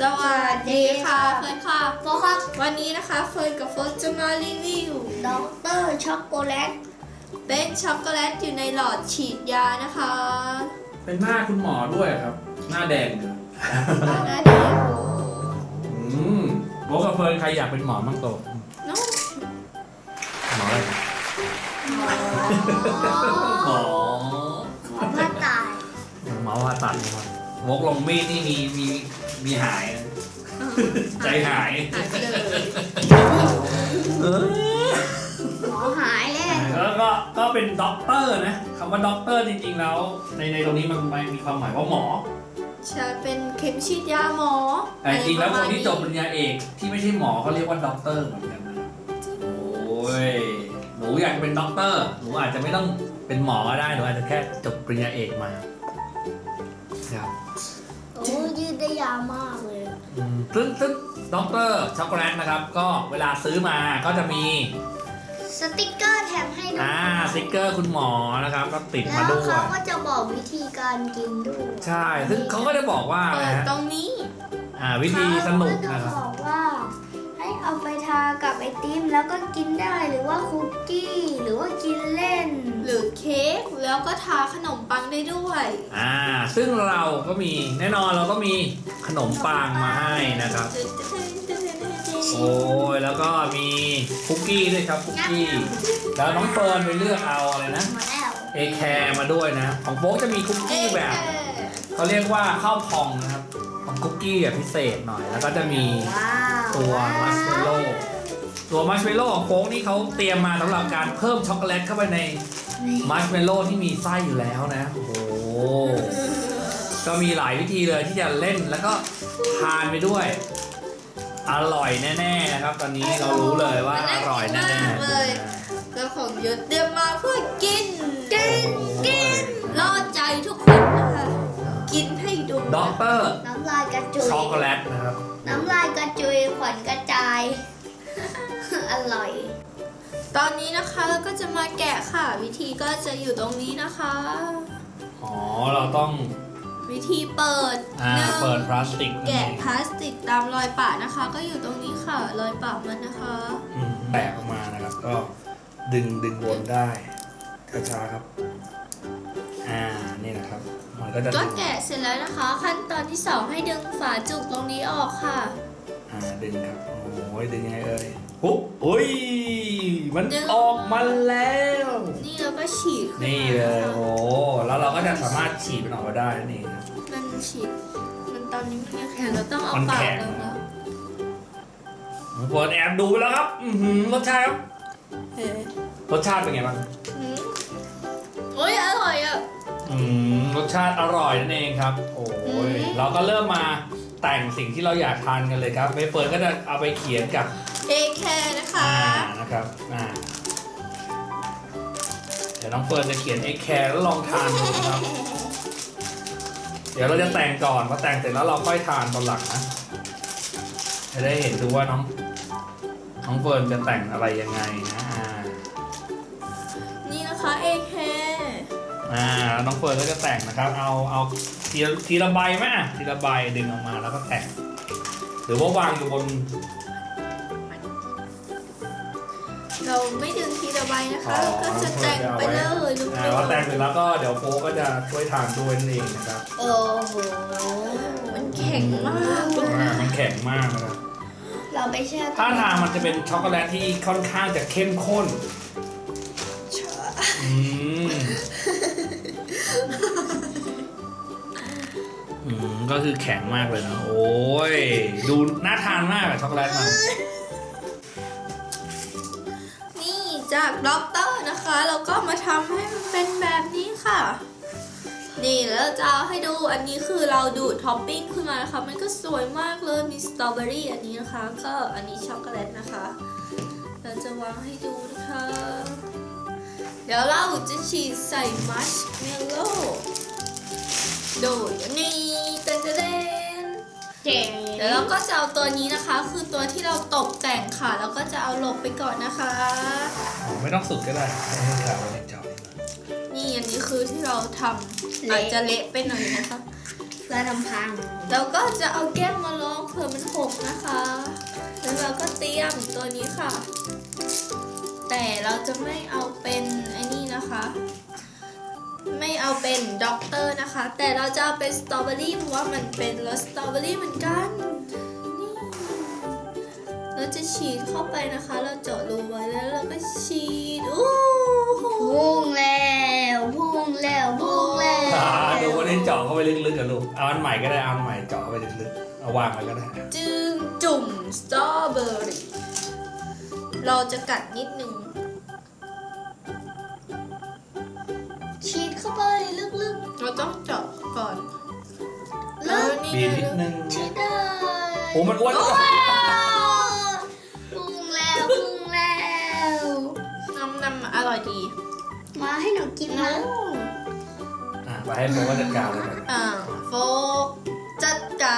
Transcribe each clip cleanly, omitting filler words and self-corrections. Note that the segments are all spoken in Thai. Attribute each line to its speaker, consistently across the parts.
Speaker 1: วัสดีค่ะเฟิร์นค่ะ
Speaker 2: โฟครับ
Speaker 1: วันนี้นะคะเฟิร์นกับโฟร์จะมารีวิว
Speaker 2: ด็อกเตอร์ช็อกโกแลต
Speaker 1: เป็นช็อกโกแลตอยู่ในหลอดฉีดยานะคะ
Speaker 3: เป็นหน้าคุณหมอด้วยครับ หน้าแดงเลย
Speaker 1: หน้าแดง
Speaker 3: โบกับเฟิร์นใครอยากเป็นหมอบ้างโต
Speaker 1: น้อง
Speaker 3: หมออะไร
Speaker 2: หมอ
Speaker 3: หมอ
Speaker 2: ผ่าตาย
Speaker 3: หมอผ่าตัดนะครับวกลงมีดนี่มีหายนะใจหาย
Speaker 1: หายไปเลย
Speaker 2: หมอหายเลย
Speaker 3: แล้วก็เป็นด็อกเตอร์นะคำว่าด็อกเตอร์จริงๆแล้วในตรงนี้มันมีความหมายว่าหมอ
Speaker 1: จะเป็นเข็มฉีดยาหมอ
Speaker 3: แต่จริงๆแล้วคนที่จบปริญญาเอกที่ไม่ใช่หมอเขาเรียกว่าด็อกเตอร์เหมือนกันนะโอ้ยหนูอยากเป็นด็อกเตอร์หนูอาจจะไม่ต้องเป็นหมอก็ได้หนูอาจจะแค่จบปริญญาเอกมาครับ
Speaker 2: โอ้ยืดได้ยาวมากเลย
Speaker 3: ซึ่งด็อกเตอร์ช็อกโกแลตนะครับก็เวลาซื้อมาก็จะมี
Speaker 2: สติกเกอร์แถมให้ด้วย
Speaker 3: สติ๊กเกอร์คุณหมอนะครับก็ติด
Speaker 2: แล้
Speaker 3: มาว ด้วย
Speaker 2: เขาก็จะบอกวิธีการกินด้วย
Speaker 3: ใช่ซึ่งเขาก็จะบอกว่า
Speaker 1: เปิ
Speaker 3: นะ
Speaker 1: ด
Speaker 3: ฮะ
Speaker 1: ตรงนี้
Speaker 3: วิธีสนุก
Speaker 2: เขา
Speaker 3: นะค
Speaker 2: จะ
Speaker 3: รับ
Speaker 2: บอกว่า ให้เอาไปทากับไอติมแล้วก็กินได้หรือว่าคุกกี้หรือว่ากินเล่น
Speaker 1: หรือเค้กแล้วก็ทาขนมปังได้ด้วย
Speaker 3: ซึ่งเราก็มีแน่นอนเราก็มีขนมปังมาให้นะครับโอ้ยแล้วก็มีคุกกี้ด้วยครับคุกกี้แล้วน้องเฟิร์นไปเลือกเอาอะไรนะ
Speaker 2: มาแล้ว
Speaker 3: เอแคร์มาด้วยนะของโป๊กจะมีคุกกี้แบบเขาเรียกว่าข้าวพองนะครับของคุกกี้แบบพิเศษหน่อยแล้วก็จะมี
Speaker 2: ว้าว
Speaker 3: ตัวมัชเมลโล่ตัวมัชเมลโล่ของโป๊กนี่เขาเตรียมมาสำหรับการเพิ่มช็อกโกแลตเข้าไปในมัชเมลโล่ที่มีไส้อยู่แล้วนะโอ้โหก็มีหลายวิธีเลยที่จะเล่นแล้วก็ทานไปด้วยอร่อยแน่ๆนะครับ ตอนนี้เรารู้เลยว่าอร่อยแน่ๆ
Speaker 1: แล้วของเยอะเตรียมมาเพื่อกินล่อใจทุกคนนะคะกินให้ดู
Speaker 3: ด็อกเตอร์
Speaker 2: น้ำลายกระจุย
Speaker 3: ช็อกโกแลตนะครับ
Speaker 2: น้ำลายกระจุยขวัญกระจาย อร่อย
Speaker 1: ตอนนี้นะคะเราก็จะมาแกะค่ะ วิธีก็จะอยู่ตรงนี้นะคะ
Speaker 3: อ๋อเราต้อง
Speaker 1: วิธีเปิดหนึ่ง
Speaker 3: เปิดพลาสติก
Speaker 1: แกะพลาสติกตามรอยปะนะคะ ก็อยู่ตรงนี้ค่ะ รอยปะมันนะคะ
Speaker 3: แตกออกมานะครับก็ดึงวนได้ช้าๆครับนี่นะครับมันก็จะ
Speaker 1: ก็แกะเสร็จแล้วนะคะ ขั้นตอนที่ 2 ให้ดึงฝาจุกตรงนี้ออกค่ะ
Speaker 3: ดึงครับโอ้ยดึงยังไงเอ่ยปุ๊บอุ้ยมันออกมาแล้ว
Speaker 1: นี่เราก็ฉีดขึ้
Speaker 3: นี่
Speaker 1: มา
Speaker 3: เลย
Speaker 1: นะคะ
Speaker 3: โอ้แล้วเราก็จะสามารถฉีดมันออกมาได้นั่นเองครับ
Speaker 1: มันฉีดมันตอนนี้มันยังแข็งเราต้องเอา
Speaker 3: มัน
Speaker 1: ปาก
Speaker 3: แข็ง
Speaker 1: ลงแล้ว
Speaker 3: เปิดแอบดูไปแล้วครับรสชาติครับ
Speaker 1: เฮ้ย
Speaker 3: รสชาติเป็นไงบ้าง
Speaker 1: โอ้ยอร่อยอ่ะ
Speaker 3: รสชาติอร่อยนั่นเองครับโอ้ยเราก็เริ่มมาแต่งสิ่งที่เราอยากทานกันเลยครับเมเฟิร์นก็จะเอาไปเขียนกับ
Speaker 1: เอแคร์นะคะ
Speaker 3: นะครับเดี๋ยวน้องเฟิร์นจะเขียนเอแคร์แล้วลองทานดูนะครับเดี๋ยวเราจะแต่งก่อนพอแต่งเสร็จแล้วเราค่อยทานตอนหลังนะจะได้เห็นดูว่าน้องเฟิร์นจะแต่งอะไรยังไงนะ
Speaker 1: นี่นะคะเอแคร์
Speaker 3: แล้วน้องเฟิร์นก็จะแต่งนะครับเอาทีละใบไหมทีละใบดึงออกมาแล้วก็แต่งหรือว่าวางอยู่บน
Speaker 1: เราไม่ดึงทีละใบนะคะ ก็จะแต่งไปเลยลูก
Speaker 3: พอแต่งเสร็จแล้วก็เดี๋ยวโฟก็จะช่วยทานด้วยนั่นเองนะครับ
Speaker 2: โอ้โห
Speaker 1: มันแข็งมากเลย
Speaker 3: มันแข็งมากนะครับ
Speaker 2: เราไปแช่
Speaker 3: ถ้าทางมันจะเป็นช็อกโกแลตที่ค่อนข้างจะเข้มข้นก็คือแข็งมากเลยนะโอ้ยดูน่าทานมากอะช็อกโกแลตมัน
Speaker 1: นี่จากด็อกเตอร์นะคะ เราก็มาทำให้มันเป็นแบบนี้ค่ะ นี่แล้วจะเอาให้ดูอันนี้คือเราดูดท็อปปิ้งขึ้นมานะคะมันก็สวยมากเลยมีสตรอเบอรี่อันนี้นะคะก็อันนี้ช็อกโกแลตนะคะเราจะวางให้ดูนะคะเดี๋ยวเราจะฉีดใส่มัชเมลโล่โดยนี่เต้นเดี๋ยวเราก็จะเอาตัวนี้นะคะ คือตัวที่เราตกแต่งค่ะแล้วก็จะเอาหลบไปก่อนนะคะ
Speaker 3: ไม่ต้องสุดก็ได้ให้ขาวเล็กจอย
Speaker 1: นี่อันนี้คือที่เราทำอาจจะเละไปหน่อยนะคะ
Speaker 2: เพื่อทำพัง
Speaker 1: เราก็จะเอาแก้วมาลองเผื่อมันหกนะคะ แล้วเราก็เตรียมตัวนี้ค่ะ แต่เราจะไม่เอาเป็นไอ้นี่นะคะ ไม่เอาเป็นด็อกเตอร์นะคะ แต่เราจะเอาเป็นสตรอเบอรี่เพราะว่ามันเป็นรสสตรอเบอรี่เหมือนกัน นี่ เราจะฉีดเข้าไปนะคะ เราเจาะรูไว้แล้วเราก็ฉีดอู้หู
Speaker 2: พุ่งแล้วพุ่งแล้วพุ่งแล้ว
Speaker 3: ดูวันนี้เจาะเข้าไปลึกๆกับลูกเอาอันใหม่ก็ได้เอาอันใหม่เจาะเข้าไปลึกๆเอาวางไว้ก็ได้
Speaker 1: จึงจุ่มสตรอเบอรี่เราจะกัดนิดนึง
Speaker 2: ฉีดเข้าไปลึก
Speaker 1: เราต้องเจาะก่อน
Speaker 2: ๆลึก
Speaker 1: นี่
Speaker 3: บีบ
Speaker 1: ไง
Speaker 3: นิดนึง
Speaker 2: ฉีดได้
Speaker 3: โอ้มันอ้วน
Speaker 2: พุ่งแล้วพุ่งแล้ว
Speaker 1: น้ำอร่อยดี
Speaker 2: มาให้หนูกินนะ
Speaker 3: ไปให้โฟกัสจัดการเลยครับ
Speaker 1: โฟกจัดการ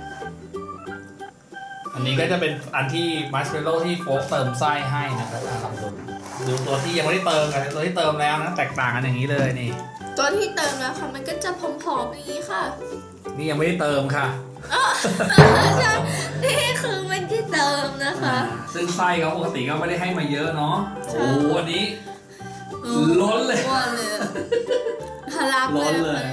Speaker 3: อันนี้ก็จะเป็นอันที่มัชเมลโล่ที่โฟกเติมไส้ให้นะครับลองดูตัวที่ยังไม่ได้เติมกับตัวที่เติมแล้วนะแตกต่างกันอย่างนี้เลยนี่
Speaker 1: ตัวที่เติมแล้วค่ะมันก็จะผอมๆอย่างนี้ค่ะ
Speaker 3: นี่ยังไม่ได้เติมค่ะ
Speaker 1: ใช่นี่คือมันที่เติมนะคะ
Speaker 3: ซึ่งไส้เขาปกติก็ไม่ได้ให้มาเยอะเนาะ
Speaker 1: ใช่
Speaker 3: โอ้โหอันนี้ ล้นเลย
Speaker 1: อ้วนเลยทะลัก
Speaker 3: ล้น
Speaker 1: เล
Speaker 3: เลย ย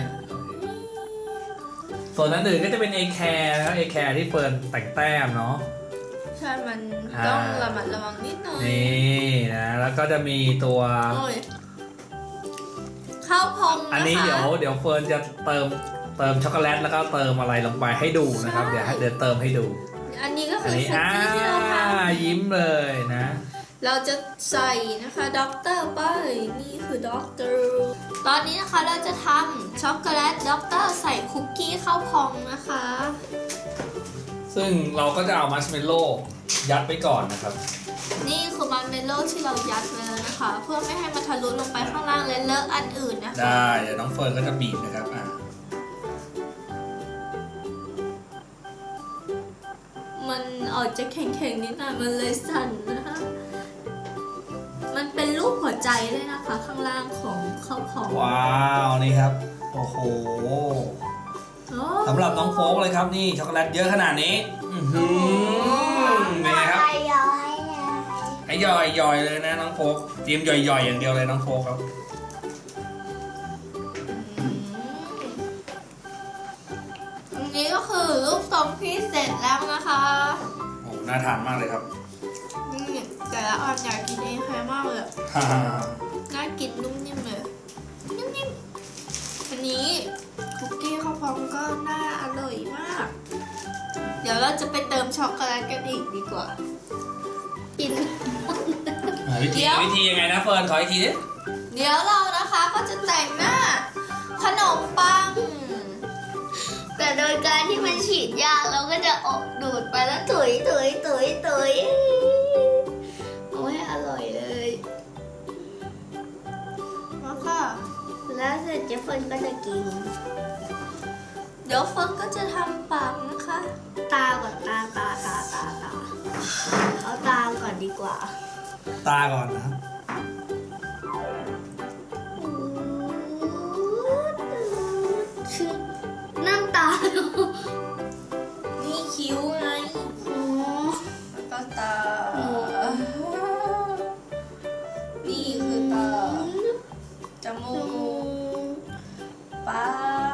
Speaker 3: ส่วนนั้นอื่นก็จะเป็น A care นะครับ A care ที่เฟิร์นแต่งแต้มเนาะ
Speaker 1: ใช่มันต้องระมัดระวังนิดหน่อย
Speaker 3: นี่นะแล้วก็จะมีตัว
Speaker 1: โอ้ยข้าวพองนะคะ
Speaker 3: อันนี้เดี๋ยวเฟิร์นจะเติมช็อกโกแลตแล้วก็เติมอะไรลงไปให้ดูนะครับ
Speaker 1: ใช่
Speaker 3: เดี๋ยวเติมให้ดู
Speaker 1: อันนี้ก็
Speaker 3: อั
Speaker 1: คื
Speaker 3: น
Speaker 1: อ
Speaker 3: นี้
Speaker 1: คุกกี้ที่เราทำ
Speaker 3: ยิ้มเลยนะ
Speaker 1: เราจะใส่นะคะด็อกเตอร์ไปนี่คือด็อกเตอร์ตอนนี้นะคะเราจะทำช็อกโกแลตด็อกเตอร์ใส่คุกกี้ข้าวพองนะคะ
Speaker 3: ซึ่งเราก็จะเอามัชเมลโล่ยัดไปก่อนนะครับ
Speaker 1: นี่คือมันเมลโล่ที่เรายัดไว้แล้วนะคะ เพื่อไม่ให้มันทะลุลงไปข้างล่างและเลอะอันอื่นนะคะ
Speaker 3: ได้เดี๋ยวน้องเฟิร์นก็จะบีบนะครับ
Speaker 1: มันออกจะแข็งๆนิดหน่อยมันเลยสั่นนะคะ มันเป็นรูปหัวใจเลยนะคะ ข้างล่างของข้าวพอง
Speaker 3: ว้าวนี่ครับโอ้โห
Speaker 1: โอ้
Speaker 3: สำหรับน้องโฟกเลยครับนี่ช็อกโกแลตเยอะขนาดนี้อื้อหือเป็นไงครับ
Speaker 2: ย้อย
Speaker 3: ไอ้ย่อยเลยนะน้องโฟกเตรียมย่อยอย่างเดียวเลยน้องโฟกครับ
Speaker 1: อันนี้ก็คือรูปทรงที่เสร็จแล้วนะคะ
Speaker 3: โอ้น่าทานมากเลยครับ
Speaker 1: นี่แต่ละอันอยากกินเองใครมากเลยอะน่ากินนุ่มนิ่มเลยนิ่มๆอันนี้คุกกี้ข้าวพองก็น่าอร่อยมาก เดี๋ยวเราจะไปเติมช็อกโกแลตกันอีกดีกว่า
Speaker 2: กิน
Speaker 3: วิธียังไงนะเฟิร์นขออีกทีดิ
Speaker 1: เดี๋ยวเรานะคะก็จะแต่งหน้าขนมปัง
Speaker 2: แต่โดยการที่มันฉีดยาเราก็จะออกดูดไปแล้วถุยเอาให้อร่อยเลย
Speaker 1: มาค่ะ
Speaker 2: แล้วเสร็จเจฟเฟิร์นก็จะกิน
Speaker 1: เดี๋ยวเฟิร์นก็จะทำปากนะคะ
Speaker 2: ตาก่อนตาเอาตาก่อนดีกว่า
Speaker 3: ตาก่อนนะครับ
Speaker 2: น้ำตา
Speaker 1: นี่คิ้วไง
Speaker 2: อ๋อ
Speaker 1: แล้วก็ตา
Speaker 2: โอ้
Speaker 1: นี่คือตา จมูก ปาก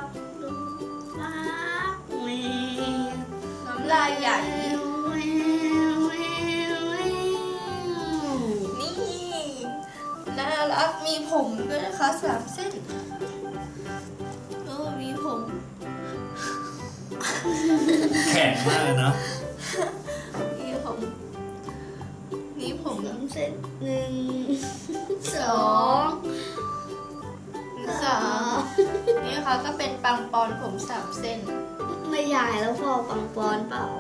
Speaker 1: น้ำลายใหญ่ นี่ น่ารัก มีผมด้วยนะคะ3 เส้น โอ้มีผม
Speaker 3: แข็งมากเลยเนาะ
Speaker 1: มีผม มีผม
Speaker 2: เสร็จ1 2
Speaker 1: 3นี่ค่ะก็เป็นปังปอนผม3 เส้น
Speaker 2: ไม่ใหญ่แล้วพอปังปอนเปล่า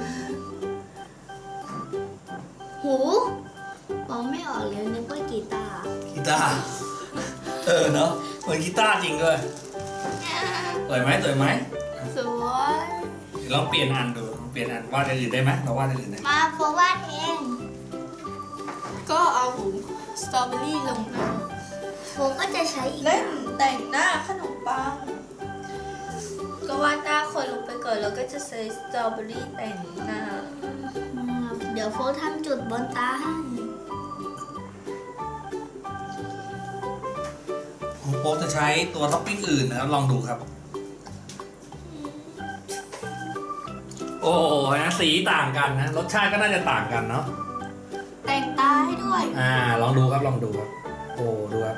Speaker 2: หูมองไม่ออกเลยนึกว่ากีตาร์
Speaker 3: กีตาร์เนาะเหมือนกีตาร์จริงด้วยสวยไหม
Speaker 1: สวย
Speaker 3: เดี๋ยวลองเปลี่ยนอันดูเปลี่ยนอันวาดอย่างอื่นได้ไหมเราวาดอย่างอื่นได้ไหม
Speaker 2: มาโฟวาดเอง
Speaker 1: ก็เอาสตรอเบอรี่ลงนะ
Speaker 2: โฟก็จะใช้อีก
Speaker 1: เล่นแต่งหน้าขนมปัง
Speaker 2: ข
Speaker 1: ก็วาดหน้าคนลงไปก่อนแล้วก็จะใส่สตรอเบอรี่แต่งหน้า
Speaker 2: เดี๋ยวโฟกทำจุดบนตาให้
Speaker 3: ของโป๊กจะใช้ตัวท็อปปิ้งอื่นนะครับลองดูครับ โอ้โหนะสีต่างกันนะรสชาติก็น่าจะต่างกันเนาะ
Speaker 1: แต่งตาให้ด้วย
Speaker 3: ลองดูครับลองดูครับโอ้ดูครับ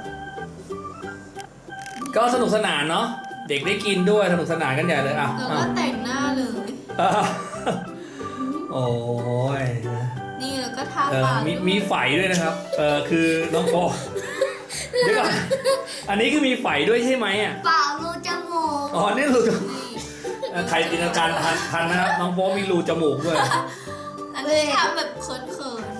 Speaker 3: ก็สนุกสนานเนาะเด็กได้กินด้วยสนุกสนานกันใหญ่เลยอ่ะ
Speaker 1: แล้วก็แต่งหน้าเลย
Speaker 3: อ่ะโอ้ย
Speaker 1: นี่แล้วก็ทา
Speaker 3: เออ
Speaker 1: ปาก
Speaker 3: มีไฝด้วยนะครับคือน้องโป๊กเดี๋ยวก่อนอันนี้คือมีไฝด้วยใช่ไหมอ่ะ
Speaker 2: เปล่ารูจมูก
Speaker 3: อ๋อนี่รูจมูก
Speaker 1: นี่
Speaker 3: ใครจินตนาการทันนะครับน้องโป๊กมีรูจมูกด้วย
Speaker 1: อันนี้ทำแบบเขิน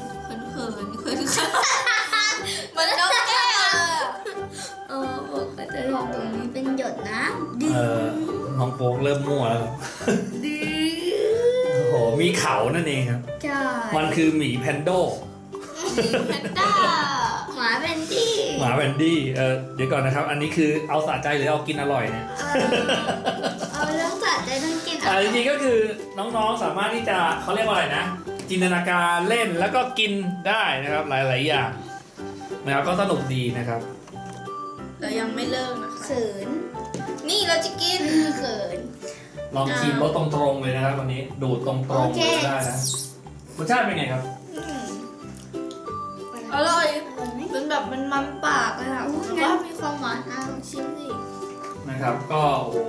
Speaker 1: เหมันนกแก้วเลยอะ
Speaker 2: โฟกก็จะทำตรงนี้เป็นหยดน้ำ
Speaker 3: เออน้องโป๊กเริ่มมั่วแล้วครับ
Speaker 2: ดี
Speaker 3: โอ้โหมีเขานั่นเองครับ
Speaker 2: ใช่
Speaker 3: มันคือหมีแพนโด
Speaker 1: แพนด้า
Speaker 2: หมาเป็นที่
Speaker 3: หมาแวนดี้เดี๋ยวก่อนนะครับ อันนี้คือเอาสะใจหรือเอากินอร่อยเนี่ย
Speaker 2: เอาเรื่องสัตว์ได้ต้องกิน
Speaker 3: จริงๆก็คือน้องๆสามารถที่จะเขาเรียกว่าอะไรนะ จินตนาการเล่นแล้วก็กินได้นะครับหลายๆอย่างนะครับก็สนุกดีนะครับ
Speaker 1: เรายังไม่เลิกนะคะ
Speaker 2: เขิน
Speaker 1: นี่เราจะกิน
Speaker 2: เขิน
Speaker 3: ลองชิมรสตรงๆเลยนะครับวันนี้ดูดตรงๆ
Speaker 2: โอเค
Speaker 3: เลยได้นะรสชาติเป็นไงครับ
Speaker 1: อืมอร่อย
Speaker 2: อร่อยไหม
Speaker 1: เป็นแบบมันปากเลยค่ะ
Speaker 2: อู้
Speaker 1: แล้ว
Speaker 2: งั้
Speaker 1: ก็
Speaker 2: น
Speaker 1: มีความหวานลองชิมสิ
Speaker 3: นะครับก็โอ้โห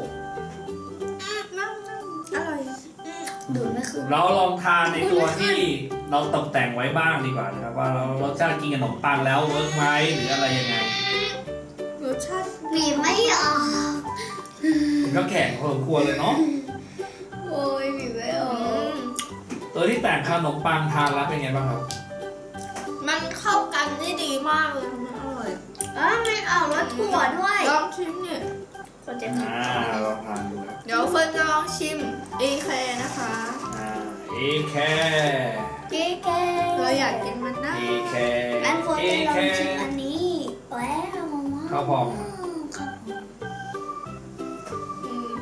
Speaker 1: อร่อย
Speaker 2: ดูดไม่ขึ้น
Speaker 3: เราลองทานในตัวที่เราตกแต่งไว้บ้างดีกว่านะครับว่าเรารสชาติกินกับขนมปังแล้วเวิร์กไหมหรืออะไรยังไง
Speaker 1: รสชาติ
Speaker 2: หนีไม่ออก
Speaker 3: มันก็แข็งพอสมควรเลยเนาะ
Speaker 2: โอ้ยหนีไม่อ
Speaker 1: อื
Speaker 2: อก
Speaker 1: ม
Speaker 3: ตัวที่แต่งขนมปังทานแล้วเป็นไงบ้างครับ
Speaker 1: มันเข้ากันได้ดีมากเลยมันอร่อย
Speaker 2: มันออกรสถั่วด้วย
Speaker 1: ลองชิมเนี่ย
Speaker 2: คนจะ
Speaker 3: ลองทานดูครับ
Speaker 1: เดี๋ยวเฟิร์นจะลองชิมเอแคร์นะคะ
Speaker 3: เอแค
Speaker 2: เก๊แก
Speaker 1: เราอยากกินมันนะ
Speaker 3: เอแค
Speaker 2: งั้นโฟน
Speaker 3: เอ
Speaker 2: จะลอ
Speaker 3: แค
Speaker 2: งชิมอันนี้แล้วมาม่า
Speaker 3: ข้าวพอง
Speaker 2: ข้าวพอง
Speaker 1: อืม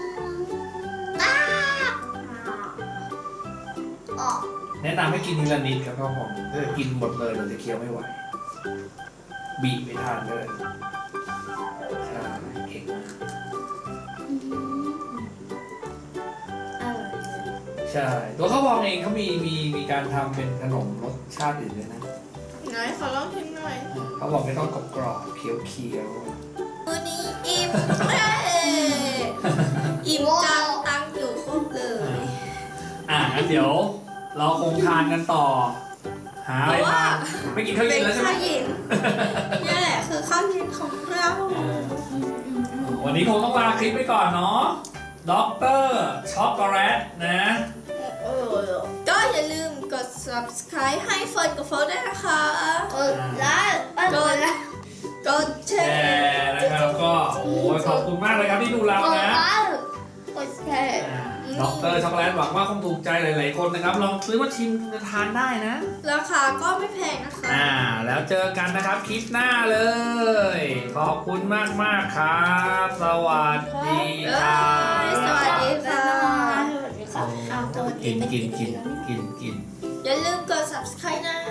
Speaker 2: ออก
Speaker 3: แนะนำให้กินทีละนิดครับข้าวพองถ้าจะกินหมดเลยเราจะเคี้ยวไม่ไหวบีบไปทานเลยใช่เก่งมาก
Speaker 2: อร่อย
Speaker 3: ใช่ตัวข้าวพองเองเขามีการทำเป็นขนมรสชาติอื่นด้วยนะ
Speaker 1: ไหนขอลองชิมหน่อย
Speaker 3: เขาบอกไม่ต้องกรอบๆเคี้ยว
Speaker 1: มื้อนี้อิ่มเย้อิ่มจังตังค์อยู่ครบเลย
Speaker 3: งั้นเดี๋ยวเราคงทานกันต่อ หาอะไรทานไม่กินข้าว
Speaker 1: เป็
Speaker 3: เย็
Speaker 1: น
Speaker 3: นแล้วใช่ไหม
Speaker 1: ข้าวเย็นนี่แหละคือข้าวเย็นของเรา
Speaker 3: วันนี้คงต้องลาคลิปไปก่อนเนาะด็อกเตอร์ช็อกโกแลตนะ
Speaker 1: ก็อย่าลืมกด subscribe ให้เฟิร์นกับโฟร์ด้วยนะคะ
Speaker 2: แล้ว
Speaker 1: กดแช
Speaker 3: แช
Speaker 1: ร์
Speaker 3: ร์นะครับก็โอ้ยขอบคุณมากเลยครับที่ดูเรานะ
Speaker 2: กดแชร์
Speaker 3: ด็อกเตอร์ช็อกโกแลตหวังว่าคงถูกใจหลายๆคนนะครับลองซื้อมาชิมทานได้นะ
Speaker 1: ราคาก็ไม่แพงนะคะ
Speaker 3: แล้วเจอกันนะครับคลิปหน้าเลย ขอบคุณมากๆครับ สวัสดีครับ
Speaker 1: สวัสดีค่ะ
Speaker 2: สวัสดีครับเอาตัว
Speaker 3: กิน
Speaker 2: ไป
Speaker 3: กิน
Speaker 2: แล้ว
Speaker 3: กิน
Speaker 1: อย่าลืมกด subscribe นะ